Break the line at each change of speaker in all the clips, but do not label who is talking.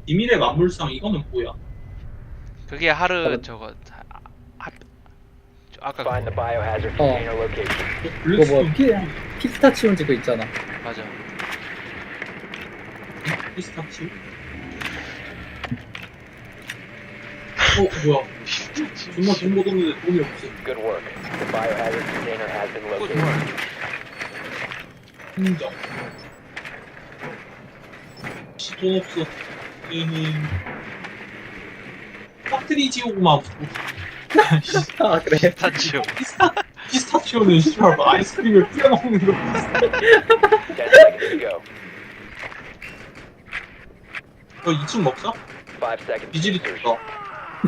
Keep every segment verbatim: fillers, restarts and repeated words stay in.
비밀의 만물상 이거는 뭐야?
그게 하르 저거 하, 하, 저 아까
Find the
그거
biohazard
어.
container location.
그거
블랙스톤
뭐 피, 피스타치온즈 그 있잖아.
맞아.
피스타치오? 어 뭐야? 정말 돈 묻었는데 돈이 없어.
Good work. The biohazard container has been located.
인정. 씨, 돈 없어. 에헤. 빡트리 지옥만 없어.
아 그래.
타치오.
피스타 피스타치오는 씨발 뭐 아이스크림을 뿌려 먹는 거 비슷해.
Ten seconds to go.
너 이 층 먹자?
Five seconds. to
비질이
insertion.
떴다.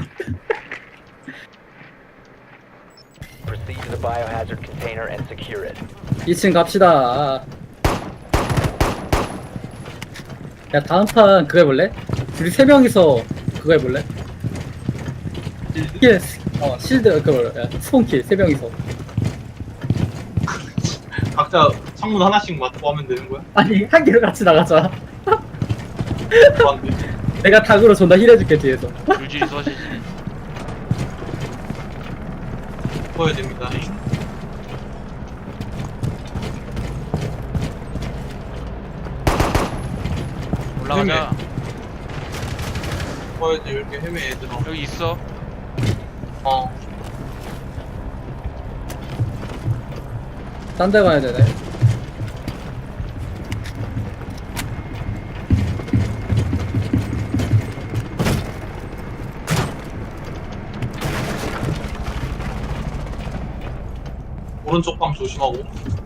Proceed to the biohazard container and secure it.
이 층 갑시다. 야 다음 판 그거 해볼래? 우리 세 명이서 그거 해볼래? 킬, 어 실드 그거 야, 스폰킬 세 명이서.
각자 창문 하나씩 맞고 하면 되는 거야?
아니 한 개로 같이 나가자.
좋았네.
내가 닭으로 존나 힐해줄게 뒤에서.
줄줄이 써지지.
보여야 됩니다.
올라가자.
보여야지 이렇게 헤매 얘들아.
여기 있어.
어.
딴 데 가야 되네.
오른쪽 방 조심하고.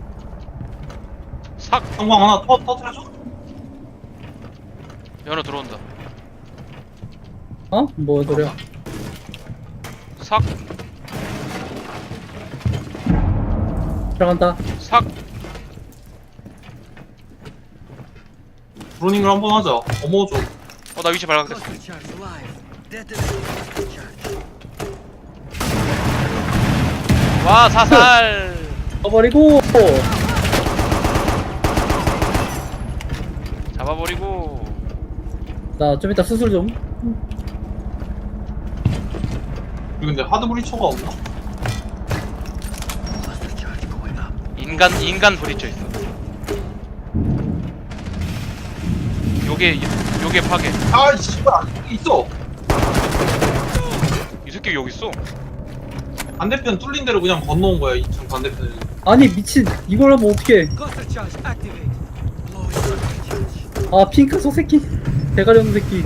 삭.
성광 하나 터 터트려줘.
연어 들어온다.
어? 뭐 소리야?
삭.
들어간다.
삭.
브로닝을 한번 하자. 어머 좀.
어 나 위치 발각됐어. 와 사살.
떠버리고.
잡아버리고.
나 좀 이따 수술 좀.
여기 근데 하드 브리처가 없나?
인간 인간 브리처 있어. 요게 요게 파괴.
아 씨발 있어.
이 새끼 여기 있어.
반대편 뚫린 대로 그냥 건너온 거야. 이 층 반대편에.
아니 미친 이걸 하면 어떡해. 아 핑크 속 새끼. 대가리 없는 새끼.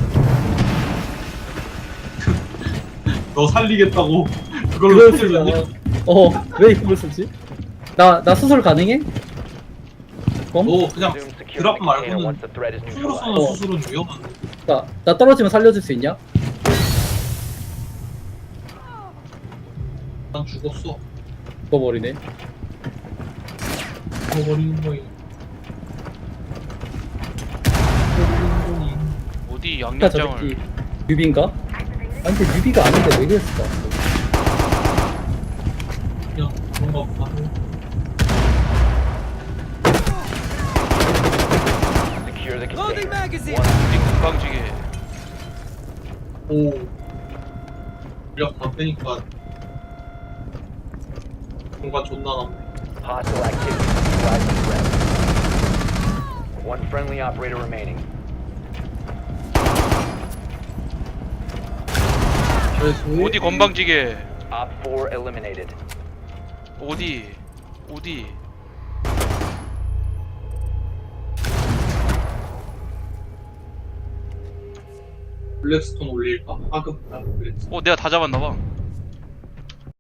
너 살리겠다고 그걸로
그걸
살리려니?
쓰잖아. 어왜 이걸 쓰지? 나 나 수술 가능해? 그럼?
너 그냥
Resume securing
드랍
the container
말고는
once the threat is
총으로 쏘는
neutralized.
어.
수술은 위험한데.
나, 나 떨어지면 살려줄 수 있냐?
난 죽었어.
죽어버리네.
죽어버리는 거임. 죽어버리는 거임.
어디
야, 저
양념장을.
새끼 뉴비인가? 아니 근데 뉴비가 아닌데 왜 그랬을까?
그냥 그런가 보다.
Secure the container.
우리 금방지게.
오. 물약 다 빼니까 공간 존나 남네.
Hostile activity. Neutralize the threat. One friendly operator remaining.
어디 건방지게.
Op four eliminated.
어디 어디.
블랙스톤 올릴까? 하급 블랙스톤.
어 내가 다 잡았나봐.